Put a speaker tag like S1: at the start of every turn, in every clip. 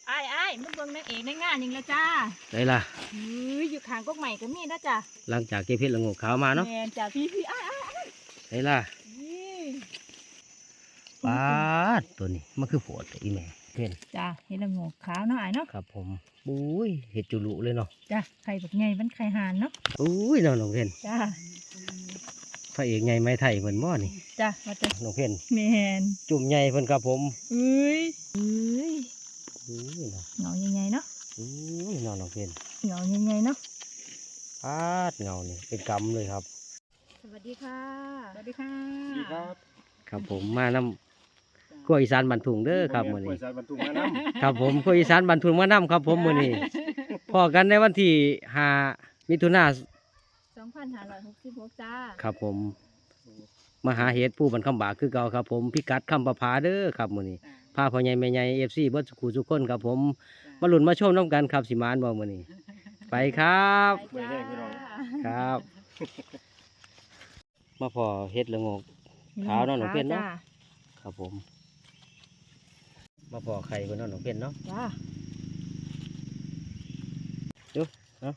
S1: อ้ายมึงเบิ่งนางเอกในงานยังแล้วจ้า
S2: ได้ล่ะ
S1: อยู่ข้างกกใหม่ก็มีนะจ้า
S2: หลังจากเก็บเห็ดละโงกขาวมาเนาะ
S1: แม่นจ้าพี่อ้าย
S2: ได้ล่ะ
S1: นี่
S2: ปาดตัวนี้มันคือโผดอีแม่เพื่อน
S1: จ้าเห็ดละโงกขาวเนาะอ้ายเนาะ
S2: ครับผมบุ้ยเห็ดจุลุเลยเนาะ
S1: จ้าไข่แบบไงมันไข่ห่านเนาะ
S2: อุ้ยน้องเพื่อน
S1: จ้า
S2: พระเอกใหญ่ไม้ไทยเพิ่นบ่นี่
S1: จ้ามาจ้า
S2: น้องเพื่อน
S1: แม่น
S2: จุ่มใหญ่เพิ่นครับผม
S1: อุ้ย
S2: เนาะ
S1: เงาใหญ่ๆเนาะ
S2: น้องเพื่อน
S1: เงาใหญ่ๆเนาะ
S2: ปาดเงานี่เป็นกำเลยครับ
S1: สวัสดีค่ะสวัสดีค่ะ
S2: ครับผมมาน้ำกล้วยอีสานบันทุงเด้อครับมื้อนี้ครับผมกล้วยอีสานบันทุงมาน้ำครับผมมื้อนี้พอกันในวันที่5 มิถุนายน
S1: 2566จ้า
S2: ครับผมมาหาเห็ดผู้บรรคำบากคือเก่าครับผมพิกัดคำประพาเด้อครับมื้อนี้พาพ่อใหญ่แม่ใหญ่ FC เบิดสุขุทุกคนครับผมมาลุ้นมาชมน้ำกันครับสิมานบ่มื้อนี้ไปครับครับมาพอเห็ดละโงกขาวเนาะหนูเพี้ยนเนาะครับผมมาพอไข่คนเนาะหนูเพี้ยนเนาะ
S1: จ้า
S2: ดูเอา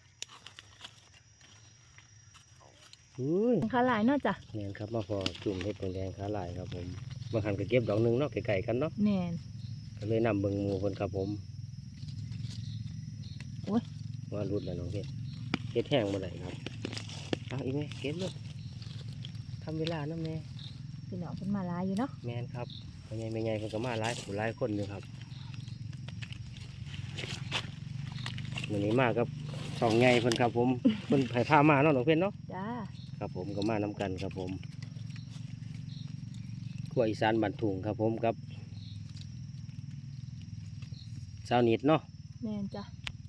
S1: ขาหลายเนาะจ้ะ
S2: เนี่ยครับมาพอจุ่มเห็ดแดงขาลายครับผมบางครั้งก็เก็บดอกหนึ่งเนาะไก่ๆกันเนาะ
S1: แน่น
S2: ก็เลยนำเบิ่งหมูคนครับผม
S1: โอ้ย
S2: ว่ารุดแล้วน้องเพี้ยนเห็ดแห้งมาไหนครับเอาอีกไหมเก็บเลยทำเวลานะแม่
S1: พี่น้องเพิ่นมาหลายอยู่เนาะ
S2: แม่นครับพ่อใหญ่แม่ใหญ่เพิ่นก็มาหลายคนอยู่ครับวันนี้มากับสองใหญ่เพิ่นครับผมเพิ่นไผ่ผ้ามาเนาะน้องเพี้ยนเนาะ
S1: จ้า
S2: ครับผมก็มานำกันครับผมขั้วอีสานบันทุงครับผมกับสาวนิดเนาะ
S1: แม่นจ้ะ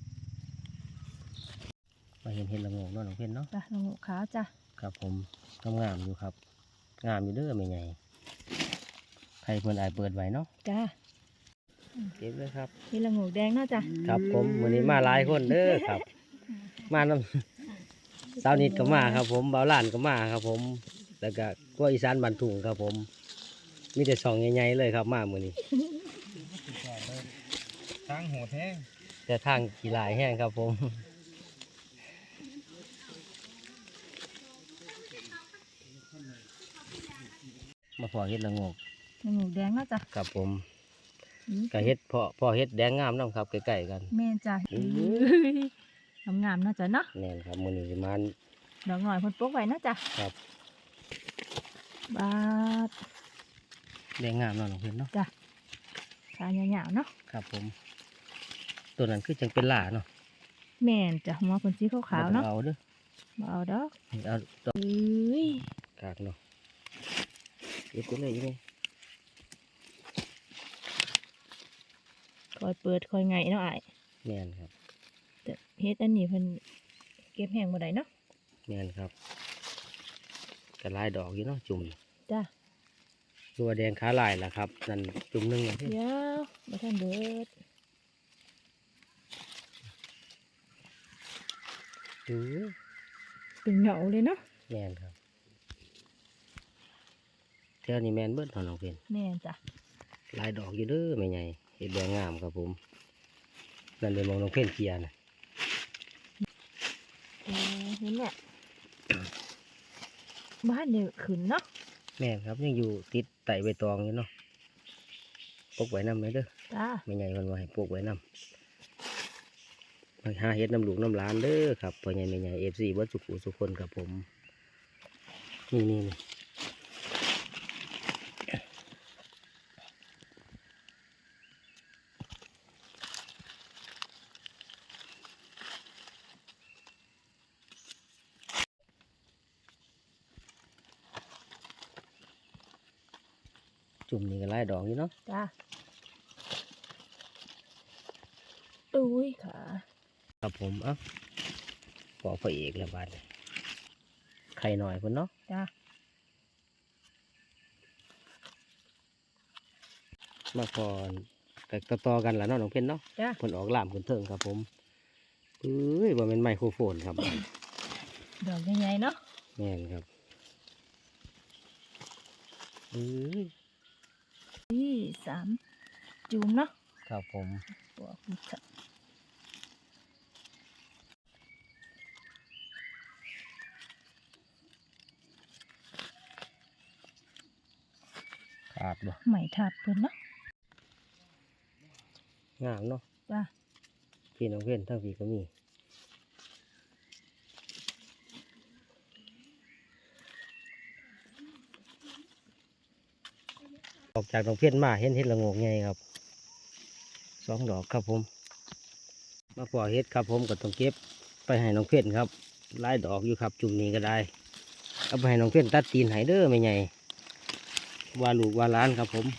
S2: มาเห็นละโงกเนาะน้องเพ็ญเนาะ
S1: จ้ะละโงกขาวจ้ะ
S2: ครับผมงามอยู่ครับงามอยู่เด้อไม่ใหญ่ใครเพิ่นอายเปิดไว้เนาะ
S1: จ้า
S2: เก็บเลยครับ
S1: นี่ละโงกแดงเนาะจ้ะ
S2: ครับผมวันนี้มาหลายคนเด้อครับ มานำสาวนิดก็มาครับผมเบาหลานก็มาครับผมแล้วก็ขั้วอีสานบันทุงครับผมมีแต่สองใหญ่ๆเลยครับมามื้อนี้
S3: ทางโหดแห้ง
S2: แต่ทางกี่หลายแห้งครับผมมาพอเห็ดละโงก
S1: แดงแล้วจ้ะ
S2: ครับผมกะเห็ดพอเห็ดแดงงามน้องครับใกล้ๆกัน
S1: แม่จ้ะงามๆเนาะจ้ะเนาะ
S2: แน่นครับมื้อนี้สิมัน
S1: ดอกหน่อยเพิ่นปลูกไว้เนาะจ้ะ
S2: ครับ
S1: บาด
S2: แดงงามเนาะน้องเพิ่นเนาะ
S1: จ้ะขายาวๆเนาะ
S2: ครับผมตัวนั้นคือจังเป็นหล่าเนาะ
S1: แม่นจ้ะหัวเพิ่นสีขาวๆเนาะ
S2: เอาเด้อ
S1: เอาดอก
S2: เอาดอกกากเนาะเก็บตัวเลยยังไง
S1: คอยเปิดคอยไงเนาะอ้าย
S2: แม่นครับ
S1: แต่เฮ็ดอันนี้เพิ่นเก็บแห้งบ่ได้เนาะ
S2: แม่นครับกระลายดอกอยู่เนาะจุ่ม
S1: จ้ะ
S2: ตัวแดงขาลายล่ะครับนั่นจุ่มนึงนะพี่
S1: เดี๋ยวบ่ทันเบิด
S2: ดู
S1: เป็นเหงาเลยเนาะ
S2: แม่นครับแถวนี้แม่นเบิดเท่าน้องเพิ่น
S1: แม่นจ้ะ
S2: ลายดอกอยู่เด้อแม่ใหญ่เห็ดแดงงามครับผมนั่นเลยมองน้องเพิ่นเกียร์นะ
S1: เห็นเนี่ยบ้านเดือขึ้นเนาะ
S2: แม่ครับยังอยู่ติดไต่ใบตองอยู่เนาะปลูกไว้น้ำไหมเด้อ
S1: จ้า
S2: ไม่ใหญ่คนว่าให้ปลูกไว้น้ำมาหาเห็ดน้ำหลูกน้ำล้านเด้อครับพ่อใหญ่ไม่ใหญ่FCเบิดสุขุสุขคนครับผมนี่จุ่มนี่ก็ไล่ดอกอยู่เนาะ
S1: จ้าตุ้ยค่ะ
S2: ครับผมอ่ะปอกพระเอกแล้วบาดไข่หน่อยคนเนาะ
S1: จ้า
S2: มาก่อนแต่ต่อกันแล้วเนาะน้องเพ็ญเนาะ
S1: จ้า
S2: ผลออกล่ามคนเถิงครับผมว่าเป็นไมโครโฟนครับ
S1: ดอกใหญ่ๆเนาะ
S2: แม่นครับ
S1: ที่3จุ่มเนาะ
S2: ครับผม
S1: ตัวพุทธ
S2: ขาดบ่
S1: ไหมทับเพิ่นเนาะ
S2: งามเนาะ
S1: จ้า
S2: พี่น้องเพื่อนทั้งพี่ก็มีออกจากน้องเพื่อนมาเห็นเห็ดละโงกไงครับ2 ดอกครับผมมาปล่อยเห็ดครับผมก็ต้องเก็บไปให้น้องเพื่อนครับหลายดอกอยู่ครับจุ่มนี้ก็ได้เอาไปให้น้องเพื่อนตัดตีนให้เด้อไม่ใหญ่ว่าลูกว่าหล้านครับผม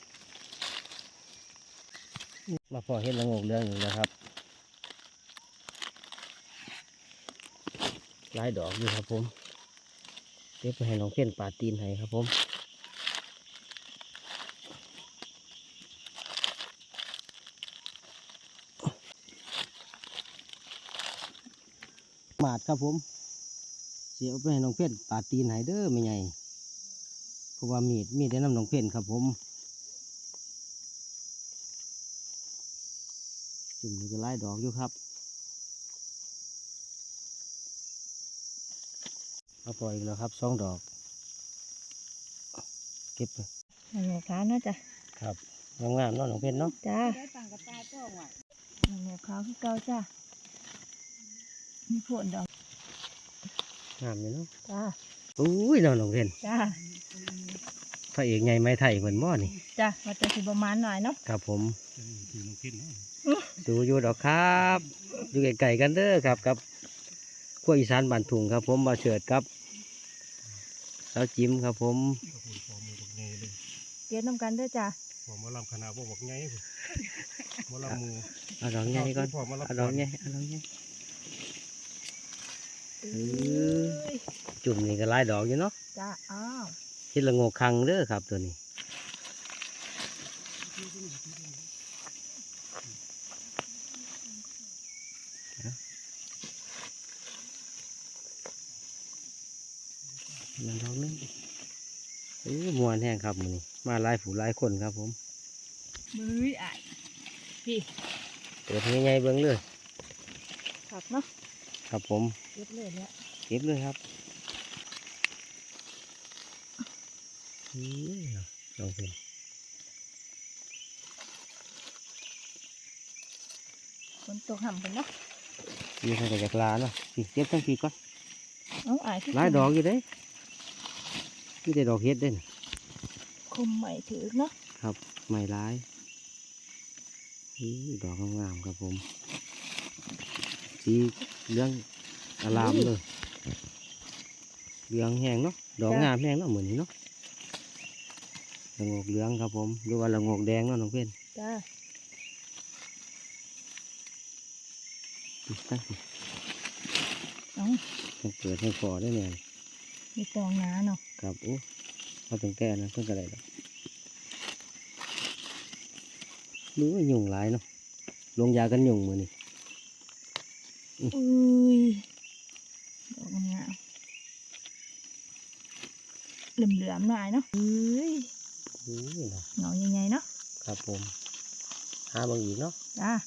S2: มาปล่อยเห็ดละโงกเรื่องอยู่นะครับหลายดอกอยู่ครับผมเก็บไปให้น้องเพื่อนปาดตีนให้ครับผมหมาดครับผมเสียไปให้น้องเพื่อนปาดตีนให้เด้อไม่ใหญ่เพราะว่ามีดได้นำน้องเพื่อนครับผมจุ่มนี่ก็หลายดอกอยู่ครับมาปล่อยอีกแล้วครับ2 ดอกเก็บไป
S1: ไหมขาวเนาะจ้ะ
S2: ครับงามๆเนาะน้องเพื่อนเนาะ
S1: จ้า
S3: ได้ตังกับตาก็ไหว
S1: ไหมขาวคือเก่าจ้ามีผลดอก
S2: งามอยู่เนาะ
S1: จ้า
S2: อุ้ยเนาะน้องเพื่อน
S1: จ้า
S2: พระเอกใหญ่ไม้ไทยเหมือนหม้อนี่
S1: จ้ามาจะสิประมาณหน่อยเนาะ
S2: ครับผมดูอยู่ดอกครับอยู่ไกลๆกันเด้อครับกับขั้วอีสานบ้านถุงครับผมมาเฉิดครับสาวจิ้มครับผม
S1: เก็บน้ำกันเด้อจ้า
S4: ผมมาลำคณะบอกไงมาลำมู
S2: เอาดอกใหญ่ก่อน
S4: ผมมาลำ
S2: เอาดอกใหญ่เอาดอกใหญ่จุ่มนี่ก็หลายดอกอยู่เนาะ
S1: จ้าอ้าว
S2: เฮ็ดละโงกคังเด้อครับตัวนี้มันดอกนึงมวนแห้งครับมื้อนี้มาหลายผู้หลายคนครับผม
S1: มืออ่ายพี่
S2: เปิดให้ใหญ่ๆเบิ่งเลย
S1: ขับเนาะ
S2: ครับผม
S1: เก็บเลยเนี่ย
S2: เก็บเลยครับลองเป็น
S1: ฝนตกห่ำกันเนาะ
S2: ยืนใส่กระจากลาเนาะสิเก็บทั้งทีก่อน
S1: น้องอายที่
S2: หลายดอกอยู่เด้ที่ได้ดอกเฮ็ดเด้น
S1: คมใหม่ถือเนาะ
S2: ครับไม่หลายดอกงามๆครับผมสีเหลืองอลามเลยเหลืองแห้งเนาะดอกงามแห้งเนาะเหมือนนี้เนาะละโงกเหลืองครับผมหรือว่าละโงกแดงเนาะน้องเพื่อน
S1: จ้า
S2: ตั้งสิ
S1: น้อง
S2: ต้องเกิดให้พอได้เนี่ย
S1: มีตองน้าเนาะ
S2: ครับโอ้เขาต้องแก้นะเพิ่งกระไรดอกรู้ว่ายุงหลายเนาะลงยากันยุงมือนี่
S1: อุ้ยดอกงามเหลื่อมๆหน่อยเนาะเอ้ย
S2: เนาะ
S1: เงาใหญ่ๆเนาะ
S2: ครับผมหาบางอีกเนาะ
S1: จ้าง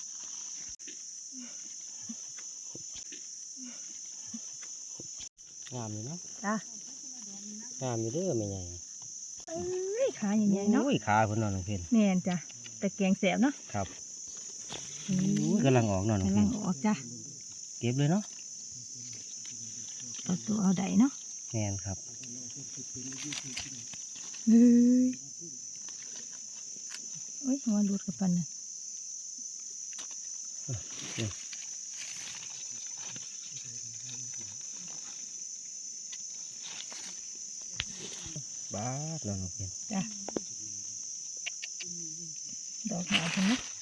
S2: ามอยู่เนาะ
S1: จ้าง
S2: ามอยู่เด้อไม่ใหญ่
S1: เอ้ยขาใหญ่ๆเนาะ
S2: โอ้ยขาเพิ่นเนอนน้องเพิ่น
S1: แม่นจ้ะแต่แกงแสบเนาะ
S2: ครับ
S1: อุ้ย
S2: กำลังออกเนอนน้อง
S1: กำลั
S2: เพิ่
S1: ง
S2: น
S1: ออกจ้ะ
S2: เก็บเลยเนาะ
S1: เอาตัวเอาใดเนาะ
S2: แม่นครับ
S1: เฮ้ยโอ้ยหัวหลุดกับปันน่ะ
S2: บ้าดเนอนน้องเพิ่น
S1: จ้ะดอกหนาคนเนาะ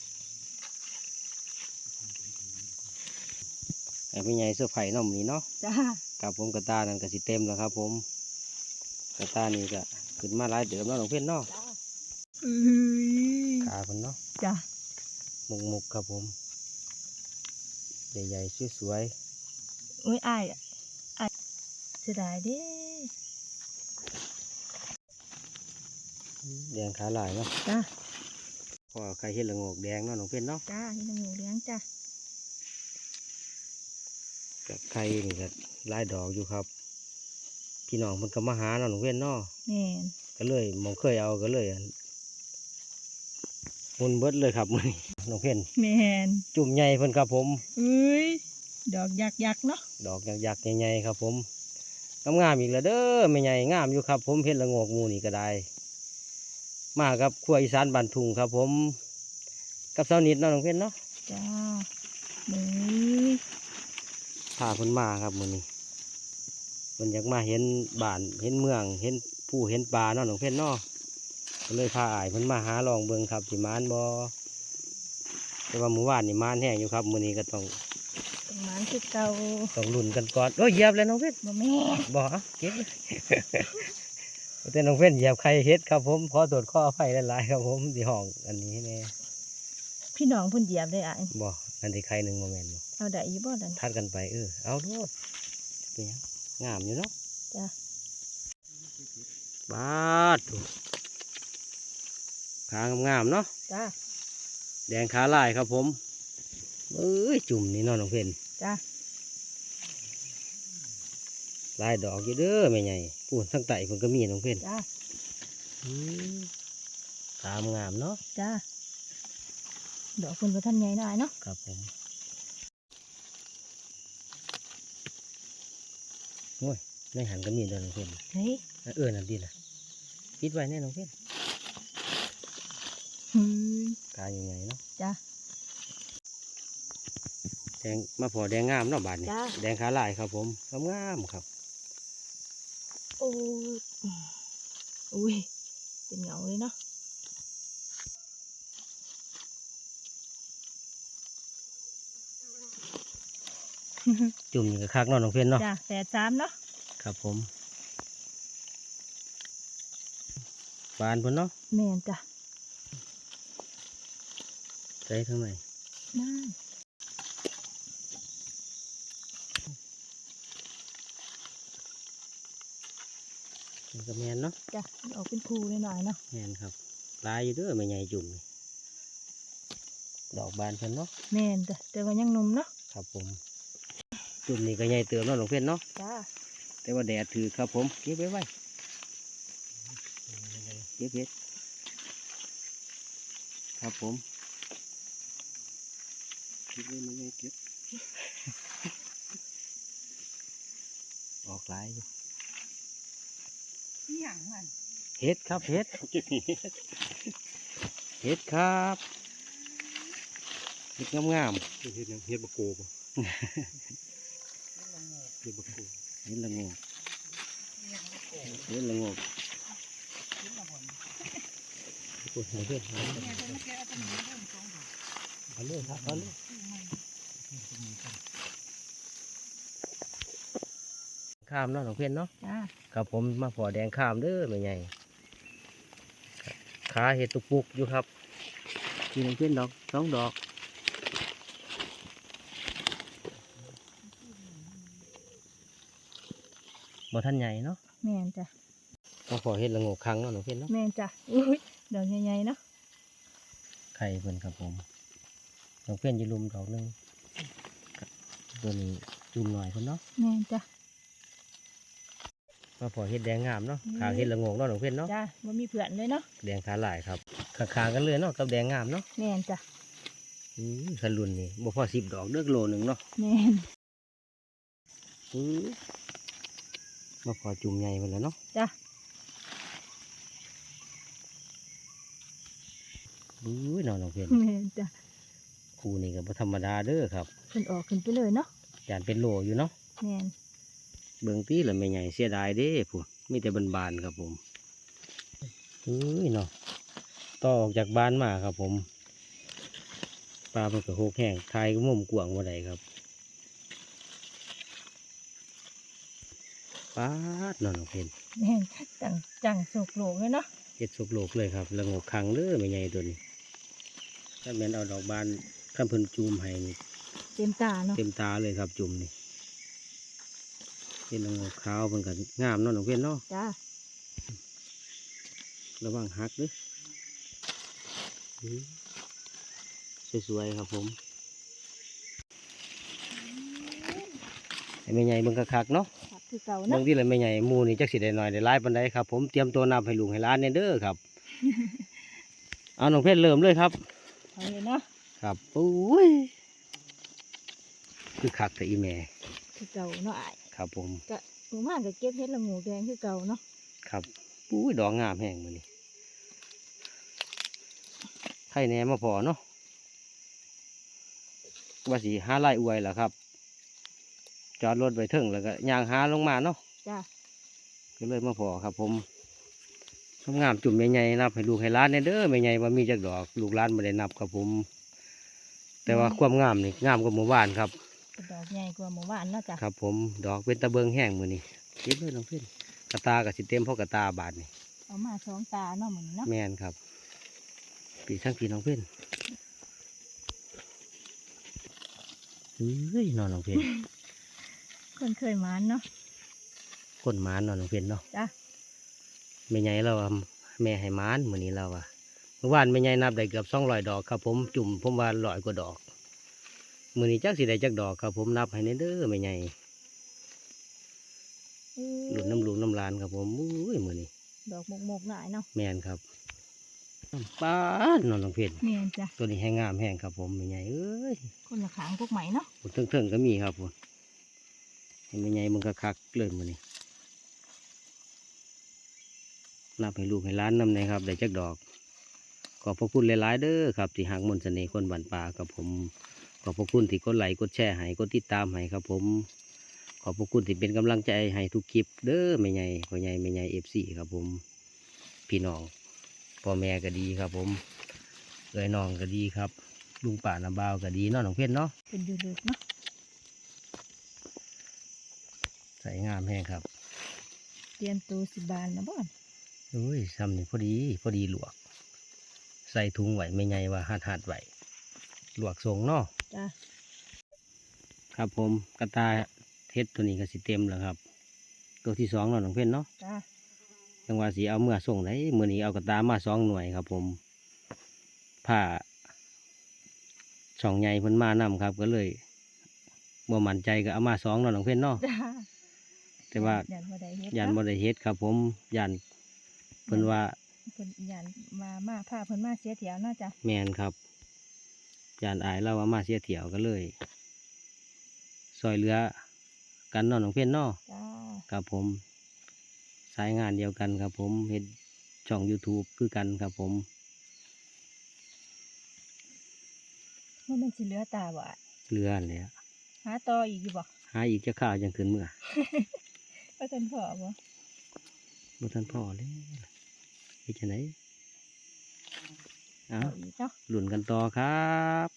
S2: ไอ้ไม่ใหญ่เสื้อไผ่เนาะมื้อนี้เนาะ
S1: จ้า
S2: ครับผมกระตานั่นก็สิเต็มแล้วครับผมกระตานี่ก็ขึ้นมาหลายเดิมเนาะน้องเพิ่นเนาะ
S1: เอ้ย
S2: ขาเพิ่นเนาะ
S1: จ้ะ
S2: มุกครับผมใหญ่ๆสวย
S1: โอ้ยอายเสียดายเด้
S2: ๆแดงขาหลายเนาะ
S1: จ้ะ
S2: พออไข่เห็ดละโงกแดงเนาะน้องเพื่อนเนาะ
S1: จ้าเห็ดละโงกเลี้ยงจ้า
S2: กับไข่นี่ก็หลายดอกอยู่ครับ พี่น้องมันก็มาหาเนาะน้องเพื่อนเนาะ
S1: แม่น
S2: ก็เลยมองเคยเอาก็เลยมุนเบิดเลยครับมื้อนี้น้องเพื่อน
S1: แม่น
S2: จุ่มใหญ่เพิ่นครับผม
S1: เอ้ยดอกยักษ์เนาะ
S2: ดอกยักษ์ๆใหญ่ๆครับผมงามๆอีกแล้วเด้อไม่ใหญ่งามอยู่ครับ ผมเห็ดละโงกหมูนี่ก็ได้ มากับครัวอีสานบ้านทุ่งครับ ผมกับเสานิดเนาะน้องเพื่อนเนาะ
S1: จ้าเอ้ย
S2: พาเพิ่นมาครับมื้อนี้เพิ่นอยากมาเห็นบ้านเห็นเมืองเห็นผู้เห็นปลาเนาะน้องเพื่อนเนาะก็เลยพาอ้ายเพิ่นมาหาลองเบิ่งครับสิมานบ่แต่ว่ามื้อวานนี่มานแห้งอยู่ครับมื้อนี้ก็ต้อง
S1: ประมาณคือเก่า
S2: ลุ้นกันก่อนโอ้ยเหยียบเลยน้องเพื่อน
S1: บ่แม่น
S2: บ่เอาเก็บเลย แต่น้องเพื่อนเหยียบไข่เฮ็ดครับผมขอโทษขออภัยหลายๆครับผมที่ห้องอันนี้แน่
S1: พี่น้องเพิ่นเหยียบได้อ่ะ
S2: บ่อันที่ไข่หนึ่งโมเมนต์บ่
S1: เอาได้อีบ่ดัน
S2: ทัดกันไปเอาโลดเป็นหยังงามอยู่เนาะ
S1: จ้า
S2: บาดถูกขางามๆเนาะ
S1: จ้า
S2: แดงขาลายครับผมจุ่มนี่เนาะน้องเพื่อน
S1: จ้า
S2: ลายดอกอยู่เด้อแม่ใหญ่พูนทั้งไตเพิ่นก็มีน้องเพื่อน
S1: จ้า
S2: ขางามเนาะ
S1: จ้าดอกเพิ่นบ่ทันใหญ่หน่อยเนาะ
S2: ครับผมโอ้ยในหันก็มีเด้อน้องเพื่อน
S1: เฮ้ย
S2: นั่นดีล่ะปิดไว้แน่น้องเพื่อน
S1: เฮ้ย
S2: กายใหญ่ๆเนาะ
S1: จ้า
S2: แดงมาพอแดงงามเนาะบาดนี้
S1: จ้า
S2: แดงขาลายครับผมงามๆครับ
S1: โอ้ยอุ้ยเป็นเหงาเลยเนาะ
S2: จุ่มอยู่กับคักเนาะน้องเพื่อนเนาะ
S1: จ้า83เนาะ
S2: ครับผมบานพุ่นเนาะ
S1: แม่นจ้า
S2: ใส่ทั้งไหน
S1: นั่น
S2: มันก็แมนเนาะ
S1: จ้าออกเป็นภูหน่อยๆเนาะ
S2: แมนครับลายอยู่เด้อไม่ใหญ่จุ่มนี่ดอกบานเพิ่นเนาะ
S1: แม่นจ้ะแต่ว่ายังหนุ่มเนาะ
S2: ครับผมจุ่มนี่ก็ใหญ่เติมเนาะน้องเพื่อนเนาะ
S1: จ้า
S2: แต่ว่าแดดถือครับผมเก็บไว้ไว้เก็บเห็ดครับผมเก็บไว้ไม่ไงเก็บ ออกหลายอยู่
S1: หยังมัน
S2: เห็ดครับเห็ดเห็ดครับเห็ดงาม
S4: เฮ็ดหยังเฮ็ดบะโกบ่เฮ็ดบะโก
S2: ๆเห็ดละโงกเห็ดละโงกปวดหัวเพื่อนเอาเลยครับเอาเลยข้ามเนาะน้องเพื่อนเนาะ
S1: จ้า
S2: ครับผมมาพอแดงข้ามเด้อไม่ใหญ่ขาเห็ดตุกปุกอยู่ครับกินน้องเพื่อนดอกสองดอกบ่ท่านใหญ่เนาะ
S1: แม่นจ้ะ
S2: มาพอเห็ดละโงกครั้งเนาะน้องเพื่อนเนาะ
S1: แม่นจ้ะอุ้ยดอกใหญ่ๆเนาะ
S2: ไข่เพิ่นครับผมน้องเพื่อนจะลุมดอกหนึงตัวนี้จุ่มหน่อยเพิ่นเนาะ
S1: แม่นจ้ะ
S2: มาพอเห็ดแดงงามเนาะขางเห็ดละโงกเนาะน้องเพื่อนเนาะ
S1: จ้าบ่มีเพื่อนเลยเนาะ
S2: แดงขาหลายครับขางๆกันเลยเนาะกับแดงงามเนาะ
S1: แม่นจ้ะ
S2: ขลุ่นนี่บ่พอ10 ดอกเด้อโลหนึงเนาะ
S1: แม่น
S2: มาพอจุ่มใหญ่ไปแล้วเนาะ
S1: จ้ะ
S2: น้องเพื่อน
S1: แม่นจ้ะ
S2: ครูนี่ก็บ่ธรรมดาเด้อครับ
S1: เพิ่นออกขึ้นไปเลยเนาะ
S2: จานเป็นโลอยู่เนาะ
S1: แม่น
S2: เบิ่งตีแล้วไม่ใหญ่เสียดายเด้พูดมีแต่บานๆครับผมเนาะต่อออกจากบ้านมาครับผมปลาเพิ่นก็โหกแห้งทายก็มุมกว้างบ่ได้ครับปาดน้องเพื่อน
S1: แม่นจังโศกโลกเลยเนาะ
S2: เฮ็ดสุกโลกเลยครับละโงกคังเด้อไม่ใหญ่ตัวนี้ถ้าแม่นเอาดอกบานคันเพิ่นจูมให้นี่
S1: เต็มตาเนาะ
S2: เต็มตาเลยครับจุ่มนี่เป็นละโงกขาวเพิ่นก็งามเนาะน้องเพื่อนเนาะ
S1: จ้า
S2: ระวังหักเด้อสวยๆครับผมให้แม่ใหญ่เบิ่งคักๆเนาะ
S1: ครับคือเก่า
S2: เบิ่
S1: เนาะ
S2: งที่ละแม่ใหญ่หมู่นี่จักสิได้น้อยได้หลายปานใดครับผมเตรียมตัวนับให้ลูกให้หลานแน่เด้อครับ เอาน้องเพชรเริ่มเลยครับ
S1: เอาเลยเนาะ
S2: ครับโอ้ยคือคักแต่อีแม่
S1: คือเก่าเนาะอ้าย
S2: ครับผม
S1: ก็หมู่บ้านก็เก็บเฮ็ดละโงูแดงคือเก่าเนาะ
S2: ครับอุ้ยดอกงามแห้งมื้อนี้ไข่แหน่มาพอเนาะว่าสิหาไล่อวยล่ะครับจอดรถไว้เทิงแล้วก็ย่างหาลงมาเนาะ
S1: จ้า
S2: ก็เลยมาพอครับผมงามจุ่มใหญ่ๆนับให้ลูกให้หล้านแน่เด้อแม่ใหญ่ว่ามีจักดอกลูกหล้านบ่ได้นับครับผม แต่ว่าความงามนี่งามกว่าหมู่บ้านครับ
S1: เป็นดอกใหญ่กว่าหมู่บ้านเนาะจ้ะ
S2: ครับผมดอกเป็นตะเบิงแห้งมื้อนี้เก็บเลยน้องเพิ่นกระตาก็สิเต็มเพราะกระตาบาดนี่
S1: เอามาสองตาเนาะเหมือนเนาะ
S2: แม่นครับปีทั้งปีน้องเพิ่นเฮ้ยนอนน้องเพิ่น
S1: คนเคยหมานเนาะ
S2: คนหมานนอนน้องเพิ่นเนาะ
S1: จ้ะ
S2: แม่ใหญ่เราว่าแม่ให้หมานมื้อนี้เราว่าเมื่อวานแม่ใหญ่นับได้เกือบ200ดอกครับผมจุ่มผมว่า100กว่าดอกมื้อนี้จักสิได้จักดอกครับผมนับให้แน่เด้อแม่ใหญ่หลุดน้ำลูกน้ำลานครับผมอุ้ยมื้อนี้
S1: ดอกหมกๆหน่อยเนาะ
S2: แม่นครับป้าดนอนน้องเพิ่น
S1: เมียนจ้ะ
S2: ตัวนี้ให้งามแห้งครับผมแม่ใหญ่เอ้ย
S1: คนละขางพวกใหม่เนาะ
S2: เทิงๆก็มีครับผมเห็นแม่ใหญ่มึงคักๆเลยมื้อนี้นับให้ลูกให้หล้านนำเลยครับได้จักดอกขอบพระคุณหลายๆเด้อครับที่หักมนต์เสน่ห์คนบ้านป่าครับผมขอบพระคุณที่กดไลค์กดแชร์ให้กดติดตามให้ครับผมขอบพระคุณที่เป็นกำลังใจให้ทุกคลิปเด้อแม่ใหญ่พ่อใหญ่แม่ใหญ่FCครับผมพี่น้องพ่อแม่ก็ดีครับผมเอ้ยน้องก็ดีครับลุงป่าน้าบ่าวก็ดีเนาะน้องเพชรเนาะ
S1: เป็นอยู่ลึกเนาะ
S2: ใส่งามแห้งครับ
S1: เตรียมตัวสิบานนะบ่อน
S2: อุ้ยซ้ำนี่พอดีลวก ใส่ถุงไหวไม่ไงว่าหัดไหวลวกทรงเนาะ
S1: จ้ะ
S2: ครับผมกระตายเฮ็ดตัวนี้ก็สิเต็มแล้วครับ ตัวที่2เนาะน้องเพ่นเนาะ
S1: จ้ะ
S2: จังว่าสีเอาเมื่อส่งไหนมื้อนี้เอากระตามา2หน่วยครับผมผ้าช่องใหญ่เพิ่นมานำครับก็เลยบ่มั่นใจก็เอามา2เนาะน้องเพ่นเนาะ
S1: จ้ะ
S2: แต่ว่า
S1: ยันบ่ได้เฮ็ด
S2: ยัน
S1: เนาะ
S2: บ่ได้เฮ็ดครับผมยันเพิ่นว่า
S1: เพิ่นยันมาพาเพิ่นมาเสียเถียวเนาะจ้ะ
S2: แมนครับยานอายเราว่ามาเสียเถี่ยวกันเลย ซอยเรือกันเนอนของเพี้ยนเนอ
S1: จ้า
S2: ครับผมสายงานเดียวกันครับผมเห็นช่อง YouTube คือกันครับผม
S1: ว่ามันสิเหลือตาบ่อะ
S2: เรือนั่นแหละ
S1: หาต่ออีกอยู่บ่
S2: หาอีกจะข้าวจังคืนเมื่อ
S1: ว่าท่านพ่อบ่
S2: บ่ทันพ่อเลยเฮ็ดจังไดเอา
S1: เอาอีกเนาะ
S2: หลุ่นกันต่อครับ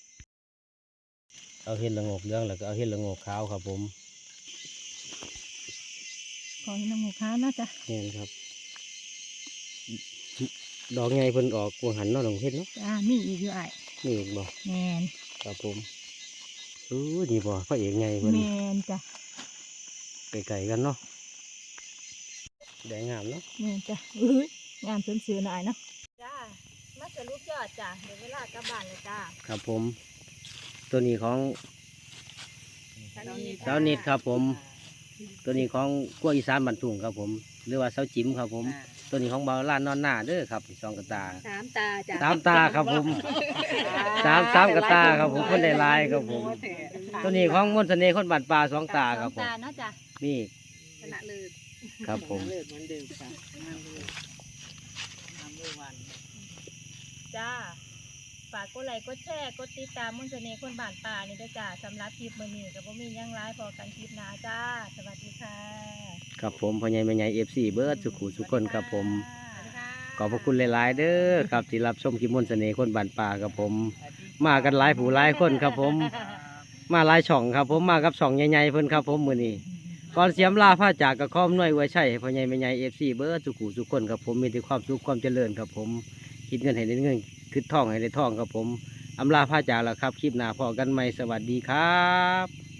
S2: เอาเห็ดละโงกเหลืองแล้วก็เอาเห็ดละโงกขาวครับผม
S1: ขอให้น้ำหมูขาวเนาะจ้ะ
S2: แม่นครับ ดอกใหญ่เพิ่นออกวงหันเนาะน้องเฮ็ดเนาะ
S1: จ้ามีอีกอยู่อ้าย
S2: นี่อีกบ่
S1: แม่น
S2: ครับผมนี่บ่พระเอกไงเพิ่น
S1: แม่นจ้ะ
S2: ไก่ๆกันเนาะแดงงามเนาะ
S1: แม่นจ้ะอุ้ยงามสวยๆหน่อยเนาะจ้ามาสรุปยอดจ้ะเดี๋ยวเวลากลับบ้านเลยจ้า
S2: ครับผม ตัวนี้ของเจ้านิดครับผม ตัวนี้ของกล้วยอีสานบันทุงครับผม หรือว่าเสาจิ๋มครับผม ตัวนี้ของเบาล้านนอนหน้าเด้อครับสองกระตา
S1: สามตาจ้ะ
S2: สามตาครับผมสามกระตาครับผมคนได้ลายครับผม ตัวนี้ของมนต์เสน่ห์คนบ้านป่าสองตาครับผม
S1: ตาเนาะจ้ะ
S2: นี่
S1: ชนะเลิศ
S2: ครับผม
S3: เลิศเหมือนเดิมค่ะงามเลยงามเลยวัน
S1: จ้าฝากกดไลค์กดแชร์กดติดตามมนต์เสน่ห์คนบ้านป่านี่ด้วยจ้าสำหรับคลิปมื้อนี้ก็บ่มีหยังหลายพอกันคลิปหน้าจ้าสวัสดีค่ะ
S2: ครับผมพ่อใหญ่แม่ใหญ่ FC เบิร์ดสุขุสุขคนครับผม
S1: สวัสดีค่ะ
S2: ขอบพระคุณหลาย ๆ เด้อครับที่รับชมคลิปมนต์เสน่ห์คนบ้านป่าครับผม มากันหลายผู้หลายคนครับผม มาหลายช่องครับผมมากับช่องใหญ่ๆเพิ่นครับผมมื้อนี้ก่อนเสียมลาผ้าจากกับข้อมน้อยไว้ใช่พ่อใหญ่แม่ใหญ่ FC เบิร์ดสุขุสุขคนครับผมมีแต่ความสุขความเจริญครับผมคิดเงินให้ได้เงินคิดทองให้ได้ทองครับผมอำลาผ้าจากแล้วครับคลิปหน้าพอกันใหม่สวัสดีครับ